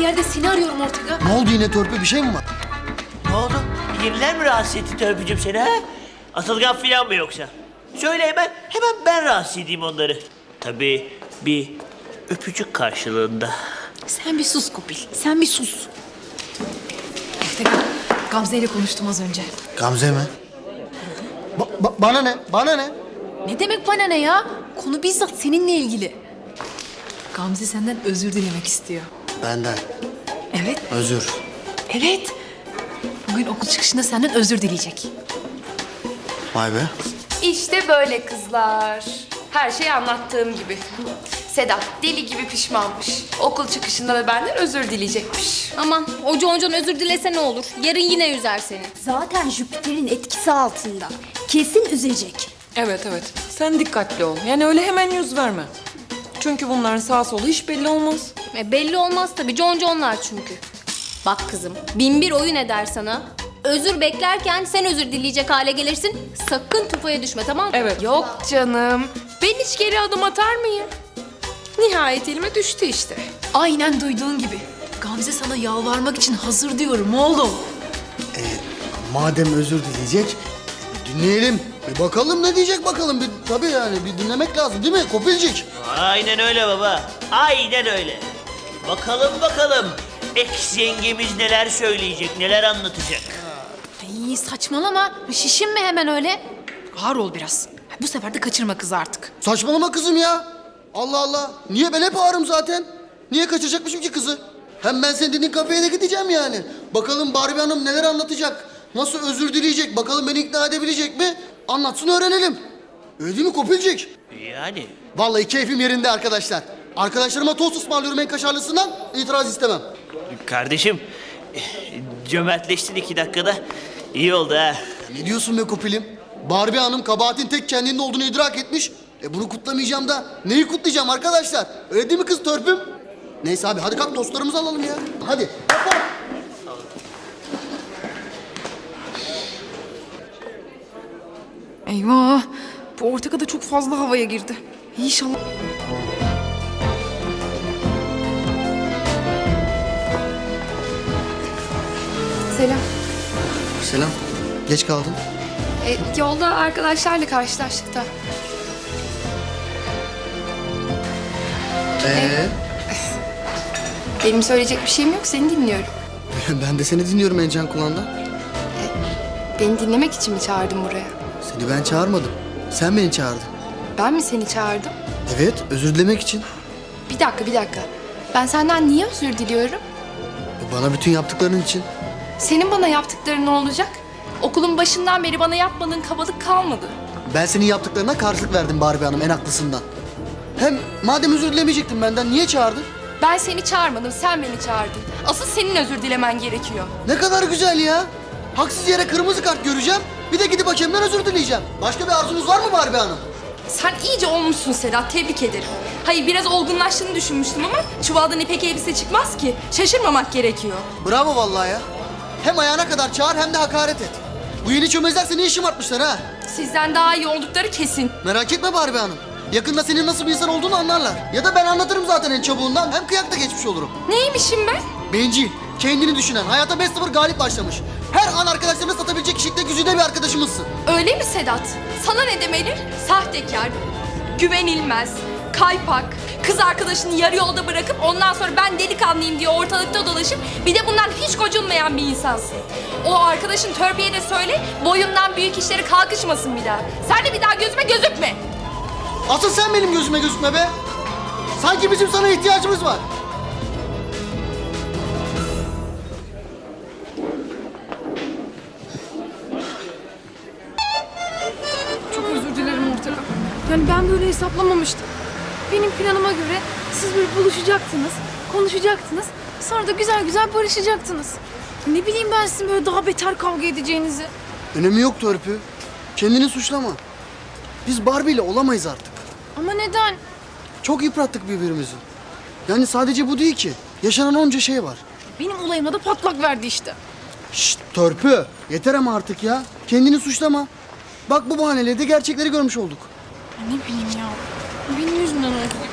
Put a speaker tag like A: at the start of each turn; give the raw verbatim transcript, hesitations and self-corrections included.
A: yerde seni arıyorum Ortega.
B: Ne oldu yine Törpü, bir şey mi var?
C: Ne oldu? Yeniler mi rahatsız etti Törpücüğüm seni ha? Atılgan filan mı yoksa? Söyle hemen, hemen ben rahatsız edeyim onları. Tabii bir öpücük karşılığında.
A: Sen bir sus Kopil, sen bir sus. Ortega, Gamze ile konuştum az önce.
B: Gamze mi? Ba- ba- bana ne? Bana ne?
A: Ne demek bana ne ya? Konu bizzat seninle ilgili. Gamze senden özür dilemek istiyor.
B: Benden.
A: Evet,
B: Özür.
A: evet. Bugün okul çıkışında senden özür dileyecek.
B: Vay be.
D: İşte böyle kızlar. Her şey anlattığım gibi. Sedat deli gibi pişmanmış. Okul çıkışında da benden özür dileyecekmiş.
E: Aman o Concon özür dilese ne olur? Yarın yine üzer seni.
F: Zaten Jüpiter'in etkisi altında. Kesin üzecek.
G: Evet evet. Sen dikkatli ol. Yani öyle hemen yüz verme. Çünkü bunların sağ solu hiç belli olmaz.
E: E, belli olmaz tabii Conconlar çünkü. Bak kızım bin bir oyun eder sana. Özür beklerken sen özür dileyecek hale gelirsin. Sakın tufaya düşme tamam mı?
G: Evet.
D: Yok canım. Ben hiç geri adım atar mıyım? Nihayet elime düştü işte.
A: Aynen duyduğun gibi. Gamze sana yalvarmak için hazır diyorum oğlum.
B: Madem özür dileyecek, bir dinleyelim. Bir bakalım ne diyecek bakalım. Bir, tabii yani bir dinlemek lazım değil mi Kopilcik?
C: Aynen öyle baba. Aynen öyle. Bakalım bakalım. Ex yengemiz neler söyleyecek, neler anlatacak.
A: Ay saçmalama. Şişinme hemen öyle. Ağır ol biraz. Bu sefer de kaçırma kızı artık.
B: Saçmalama kızım ya. Allah Allah. Niye ben hep ağrım zaten? Niye kaçıracakmışım ki kızı? Hem ben senin dediğin kafeye de gideceğim yani. Bakalım Barbie Hanım neler anlatacak? Nasıl özür dileyecek? Bakalım beni ikna edebilecek mi? Anlatsın öğrenelim. Öyle değil mi Kopilcik?
C: Yani
B: Vallahi keyfim yerinde arkadaşlar. Arkadaşlarıma tost ısmarlıyorum en kaşarlısından. İtiraz istemem.
C: kardeşim cömertleştin iki dakikada. İyi oldu ha.
B: Ne diyorsun be Kopilim? Barbie Hanım kabahatin tek kendinde olduğunu idrak etmiş. E bunu kutlamayacağım da neyi kutlayacağım arkadaşlar? Öyle değil mi kız Törpüm? Neyse abi hadi kalk dostlarımızı alalım ya. Hadi. Hoppa.
G: Eyvah. Bu Ortega da çok fazla havaya girdi. İnşallah.
D: Selam.
B: Selam. Geç kaldın.
D: E, yolda arkadaşlarla karşılaştık da.
B: Ee?
D: Benim söyleyecek bir şeyim yok. Seni dinliyorum.
B: Ben de seni dinliyorum en can kulağından.
D: Beni dinlemek için mi çağırdın buraya?
B: Seni ben çağırmadım. Sen beni çağırdın.
D: Ben mi seni çağırdım?
B: Evet, özür dilemek için.
D: Bir dakika, bir dakika. Ben senden niye özür diliyorum?
B: E, Bana bütün yaptıkların için.
D: Senin bana yaptıkların ne olacak? Okulun başından beri bana yapmadığın kabalık kalmadı.
B: Ben senin yaptıklarına karşılık verdim Barbie Hanım en haklısından. Hem madem özür dilemeyecektin benden niye çağırdın?
D: Ben seni çağırmadım, sen beni çağırdın. Asıl senin özür dilemen gerekiyor.
B: Ne kadar güzel ya. Haksız yere kırmızı kart göreceğim. Bir de gidip hakemden özür dileyeceğim. Başka bir arzunuz var mı Barbie Hanım?
D: Sen iyice olmuşsun Sedat, tebrik ederim. Hayır, biraz olgunlaştığını düşünmüştüm ama çuvaldan ipek elbise çıkmaz ki. Şaşırmamak gerekiyor.
B: Bravo vallahi ya. Hem ayağına kadar çağır hem de hakaret et. Bu yeni çömezler seni işim atmışlar ha.
D: Sizden daha iyi oldukları kesin.
B: Merak etme Barbie Hanım. Yakında senin nasıl bir insan olduğunu anlarlar. Ya da ben anlatırım zaten en çabuğundan. Hem kıyakta geçmiş olurum.
D: Neymişim ben?
B: Bencil, kendini düşünen, hayata beş sıfır galip başlamış. Her an arkadaşlarını satabilecek kişilikte güzide bir arkadaşımızsın.
D: Öyle mi Sedat? Sana ne demeli? Sahtekar, güvenilmez, kaypak, kız arkadaşını yarı yolda bırakıp ondan sonra ben delikanlıyım diye ortalıkta dolaşıp bir de bundan hiç gocunmayan bir insansın. O arkadaşın Törpü'ye de söyle, boyumdan büyük işleri kalkışmasın bir daha. Sen de bir daha gözüme gözükme.
B: Asıl sen benim gözüme gözükme be. Sanki bizim sana ihtiyacımız var.
G: Çok özür dilerim Ortega. Yani ben böyle hesaplamamıştım.
H: Benim planıma göre siz böyle buluşacaktınız, konuşacaktınız. Sonra da güzel güzel barışacaktınız. Ne bileyim ben sizin böyle daha beter kavga edeceğinizi.
B: Önemi yok Törpü. Kendini suçlama. Biz Barbie ile olamayız artık.
H: Ama neden?
B: Çok yıprattık birbirimizi. Yani sadece bu değil ki. Yaşanan onca şey var.
H: Benim olayımda da patlak verdi işte.
B: Şşt Törpü. Yeter ama artık ya. Kendini suçlama. Bak bu bahaneyle de gerçekleri görmüş olduk.
H: Ne bileyim ya. Benim yüzümden oldu.